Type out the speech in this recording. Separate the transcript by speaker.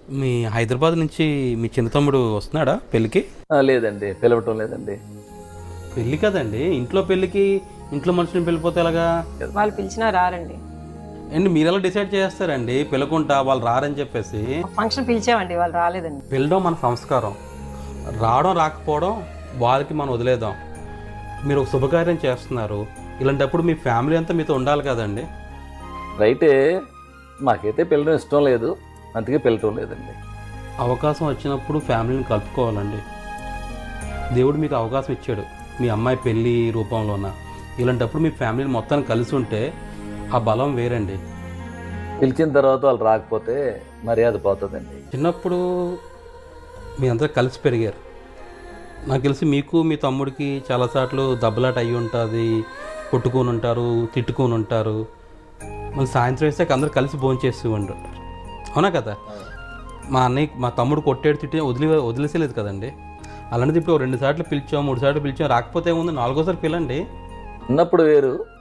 Speaker 1: మీ హైదరాబాద్ నుంచి మీ చిన్న తమ్ముడు వస్తున్నాడా పెళ్ళికి?
Speaker 2: లేదండి, పిలవటం లేదండి.
Speaker 1: పెళ్ళి కదండి, ఇంట్లో పెళ్ళికి ఇంట్లో మనుషుని వెళ్ళిపోతే ఎలాగా?
Speaker 3: వాళ్ళు పిలిచినా రారండి.
Speaker 1: అండ్ మీరు ఎలా డిసైడ్ చేస్తారండి పిలకుంటా వాళ్ళు రారని చెప్పేసి?
Speaker 3: ఫంక్షన్ పిలిచామండి, వాళ్ళు రాలేదండి.
Speaker 1: పిలడం మన సంస్కారం, రావడం రాకపోవడం వాళ్ళకి మనం వదిలేద్దాం. మీరు ఒక శుభకార్యం చేస్తున్నారు, ఇలాంటప్పుడు మీ ఫ్యామిలీ అంతా మీతో ఉండాలి కదండి.
Speaker 2: రైటే, మాకైతే పిల్లడం ఇష్టం లేదు, అందుకే పిలవటం లేదండి.
Speaker 1: అవకాశం వచ్చినప్పుడు ఫ్యామిలీని కలుపుకోవాలండి. దేవుడు మీకు అవకాశం ఇచ్చాడు మీ అమ్మాయి పెళ్ళి రూపంలోన. ఇలాంటప్పుడు మీ ఫ్యామిలీని మొత్తాన్ని కలిసి ఉంటే ఆ బలం వేరండి.
Speaker 2: పిలిచిన తర్వాత వాళ్ళు రాకపోతే మర్యాద పోతుందండి.
Speaker 1: చిన్నప్పుడు మీ అందరూ కలిసి పెరిగారు, నాకు తెలిసి మీకు మీ తమ్ముడికి చాలాసార్లు దెబ్బలాట అయ్యి ఉంటుంది, కొట్టుకొని ఉంటారు, తిట్టుకొని ఉంటారు. మళ్ళీ సాయంత్రం వేసాక అందరూ కలిసి భోంచేస్తూ ఉంటారు, అవునా కదా? మా తమ్ముడు కొట్టేడు తిట్టి వదిలేసేలేదు కదండి. అలాంటిది ఇప్పుడు 2 సార్లు పిలిచాం, 3 సార్లు పిలిచాం, రాకపోతే ఏముంది, 4గోసారి పిలండి.
Speaker 2: ఉన్నప్పుడు వేరు,